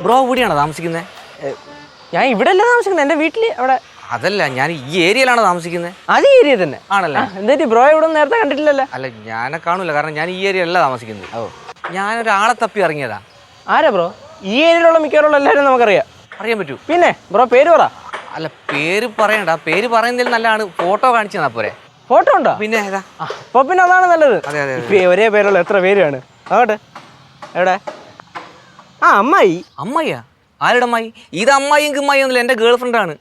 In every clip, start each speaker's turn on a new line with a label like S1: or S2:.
S1: Bro ഇവിടെയാണോ താമസിക്കുന്നത്?
S2: ഞാൻ ഇവിടെ അല്ല താമസിക്കുന്നത്, എൻ്റെ വീട്ടിൽ അവിടെ.
S1: അതല്ല, ഞാൻ ഈ ഏരിയയിലാണോ താമസിക്കുന്നത്?
S2: അത് ഈ ഏരിയ തന്നെ
S1: ആണല്ലേ?
S2: എന്താ ബ്രോ ഇവിടെ നേരത്തെ കണ്ടിട്ടില്ലല്ലോ?
S1: അല്ല, ഞാനെ കാണൂല, കാരണം ഞാൻ ഈ ഏരിയയിലല്ല താമസിക്കുന്നത്. ഞാനൊരാളെ തപ്പി ഇറങ്ങിയതാ.
S2: ആരാ ബ്രോ? ഈ ഏരിയയിലുള്ള മിക്കവാറുള്ള എല്ലാവരും നമുക്കറിയാം.
S1: അറിയാൻ പറ്റൂ?
S2: പിന്നെ ബ്രോ പേര് പറ.
S1: അല്ല, പേര് പറയണ്ട, പേര് പറയുന്നതിൽ നല്ലതാണ് ഫോട്ടോ കാണിച്ചു തന്നാ പോരെ.
S2: ഫോട്ടോ ഉണ്ടോ?
S1: പിന്നെ ഏതാ?
S2: അപ്പൊ പിന്നെ അതാണ് നല്ലത്.
S1: അതെ അതെ,
S2: ഒരേ പേരുള്ള എത്ര പേരാണ് അങ്ങോട്ട്. എവിടെ? ആ അമ്മായി.
S1: അമ്മായിയാ? ആരുടെ അമ്മായി? ഇത് അമ്മായിയും കിമ്മായിയും ഒന്നുമില്ല, എൻ്റെ ഗേൾ ഫ്രണ്ടാണ്.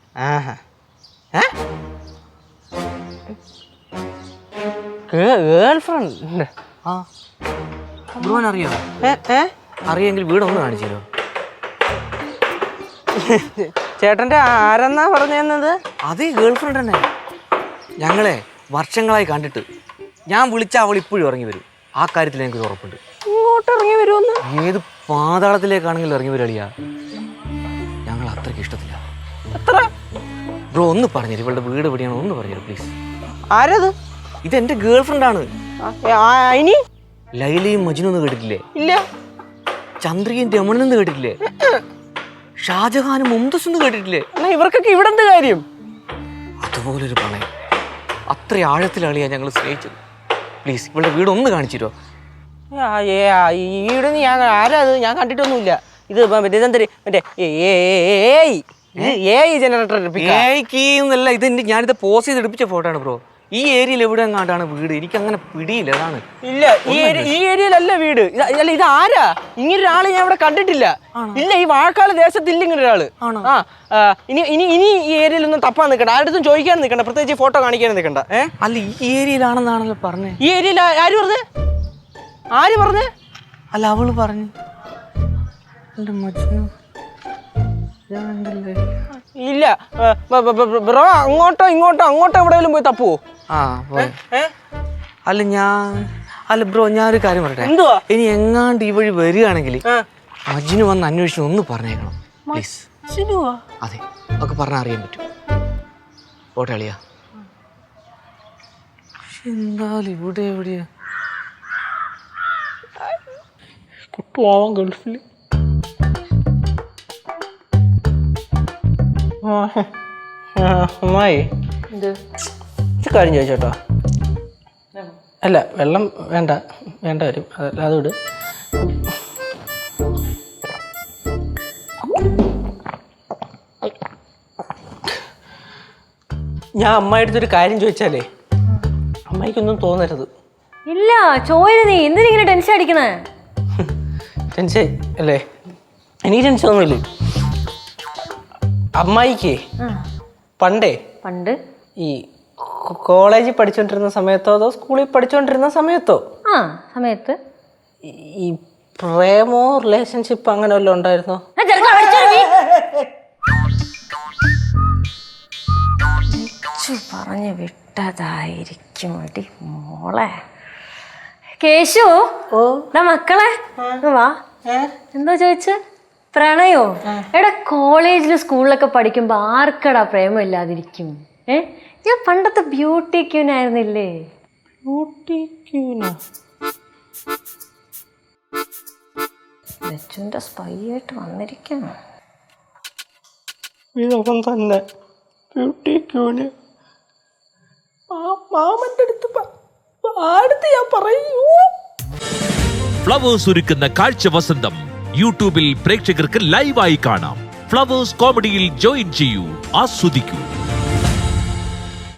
S2: Girlfriend?
S1: ആ, ബ്രോൻ അറിയോ? അറിയെങ്കിൽ വീടൊന്ന് കാണിച്ചു തരുമോ?
S2: ചേട്ടൻ്റെ ആരെന്നാ പറഞ്ഞു തന്നത്?
S1: അതേ ഗേൾ ഫ്രണ്ട് തന്നെ. ഞങ്ങളെ വർഷങ്ങളായി കണ്ടിട്ട് ഞാൻ വിളിച്ച അവൾ ഇപ്പോഴും ഇറങ്ങി വരും. ആ കാര്യത്തിൽ എനിക്ക് ഉറപ്പുണ്ട്.
S2: ഇങ്ങോട്ട് ഇറങ്ങി വരുമെന്ന്?
S1: ഏത് പാതാളത്തിലേക്കാണെങ്കിലും ഇറങ്ങി വരളിയാ. ഞങ്ങൾ അത്രയ്ക്ക് ഇഷ്ടത്തില്ല.
S2: എത്ര?
S1: ബ്രോ ഒന്ന് പറഞ്ഞുതരും, ഇവളുടെ വീട് എവിടെയാണോ ഒന്ന് പറഞ്ഞുതരും പ്ലീസ്.
S2: ആരത്?
S1: ഇതെന്റെ ഗേൾ ഫ്രണ്ടാണ്.
S2: ഇനി
S1: ലൈലയും മജ്നുവും കേട്ടിട്ടില്ലേ?
S2: ഇല്ല.
S1: ചന്ദ്രികയും രമണെന്ന് കേട്ടിട്ടില്ലേ? ഷാജഹാനും മുംതസും കേട്ടിട്ടില്ലേ?
S2: ഇവർക്കൊക്കെ ഇവിടെ എന്ത് കാര്യം?
S1: അതുപോലൊരു പ്രണയം, അത്ര ആഴത്തിലാളിയാ ഞങ്ങൾ സ്നേഹിച്ചത്. പ്ലീസ് ഇവളുടെ വീട് ഒന്ന് കാണിച്ചു തരുമോ?
S2: ഈടെ ഞാൻ ആരാ അത്? ഞാൻ കണ്ടിട്ടൊന്നുമില്ല. ഇത് മറ്റേ ജനറേറ്റർ
S1: എന്നല്ല, ഇത് ഞാനിത് പോസ് ചെയ്ത് എടുപ്പിച്ച ഫോട്ടോ ആണ് ബ്രോ. ഈ ഏരിയയിൽ എവിടെ എങ്ങാണ്ടാണ് വീട്? എനിക്ക് അങ്ങനെ പിടിയില്ല. അതാണ്.
S2: ഇല്ല, ഈ ഏരിയയിലല്ല വീട്. അല്ല, ഇത് ആരാ? ഇങ്ങനൊരാള് ഞാൻ ഇവിടെ കണ്ടിട്ടില്ല. ഇല്ല, ഈ വാഴക്കാട് ദേശത്തില്ല ഇങ്ങനൊരാള്. ഇനി ഈ ഏരിയയിലൊന്നും തപ്പാൻ നിൽക്കണ്ട, ആരുടെ ചോദിക്കാൻ നിൽക്കണ്ട, പ്രത്യേകിച്ച് ഫോട്ടോ കാണിക്കാൻ നിൽക്കണ്ട.
S1: അല്ല, ഈ ഏരിയയിലാണെന്നാണല്ലോ പറഞ്ഞേ.
S2: ഈ ഏരിയയിൽ ആര് പറഞ്ഞേ? ആര് പറഞ്ഞേ?
S1: അല്ല, അവള് പറഞ്ഞു.
S2: ഇല്ല ബ്രോ, അങ്ങോട്ടോ എവിടെയെങ്കിലും പോയി തപ്പുവോ?
S1: അല്ല ബ്രോ, ഞാനൊരു കാര്യം പറയട്ടെ.
S2: എന്തുവാ?
S1: ഇനി എങ്ങാണ്ട് ഈ വഴി വരികയാണെങ്കിൽ മജ്നു വന്ന് അന്വേഷിച്ച് ഒന്ന് പറഞ്ഞേക്കണം പ്ലീസ്. അതെ, ഒക്കെ പറഞ്ഞാൽ അറിയാൻ പറ്റും. ഓട്ടെ അളിയാ. എന്തായാലും ഇവിടെ എവിടെയാ
S2: കുട്ടുവാവാൻ ഗൾഫിൽ. അമ്മായി, ഇത് കാര്യം ചോദിച്ചോട്ടോ. അല്ല, വെള്ളം വേണ്ട വരും. അത് വിട്. ഞാൻ അമ്മായിടത്തൊരു കാര്യം ചോദിച്ചാലേ അമ്മായിക്കൊന്നും തോന്നരുത്.
S3: ഇല്ല, ചോദിച്ചു. നീ എന്തിനിങ്ങനെ ടെൻഷൻ അടിക്കണേ?
S2: ടെൻഷൻ അല്ലേ? എനിക്ക് ടെൻഷൻ ഒന്നുമില്ലേ. അമ്മായിക്ക് പണ്ട് ഈ കോളേജിൽ പഠിച്ചോണ്ടിരുന്ന സമയത്തോ അതോ സ്കൂളിൽ പഠിച്ചോണ്ടിരുന്ന സമയത്തോ ഈ പ്രേമോ റിലേഷൻഷിപ്പ് അങ്ങനെ വല്ലതും ഉണ്ടായിരുന്നോ?
S3: പറഞ്ഞു വിട്ടതായിരിക്കും അടി മോളെ. കേശു, മക്കളെ വാ. എന്തോ ചോദിച്ച? പ്രണയോ? എടാ, കോളേജിലും സ്കൂളിലൊക്കെ പഠിക്കുമ്പോ ആർക്കടാ പ്രേമം ഇല്ലാതിരിക്കും? ഞാൻ പണ്ടത്തെ ബ്യൂട്ടി ക്യൂൻ ആയിരുന്നില്ലേ?
S2: ബ്യൂട്ടി ക്യൂനോ?
S3: ലച്ചുവിന്റെ സ്പൈ ആയിട്ട് വന്നിരിക്കുന്നു.
S2: ഇതവൻ തന്നെ ബ്യൂട്ടി ക്യൂന്. മാമന്റെ അടുത്ത് ഞാൻ പറയൂ.
S4: ഫ്ലവേഴ്സ് ഒരുക്കുന്ന കാഴ്ച വസന്തം യൂട്യൂബിൽ പ്രേക്ഷകർക്ക് ലൈവായി കാണാം. ഫ്ലവേഴ്സ് കോമഡിയിൽ ജോയിൻ ചെയ്യൂ, ആസ്വദിക്കൂ.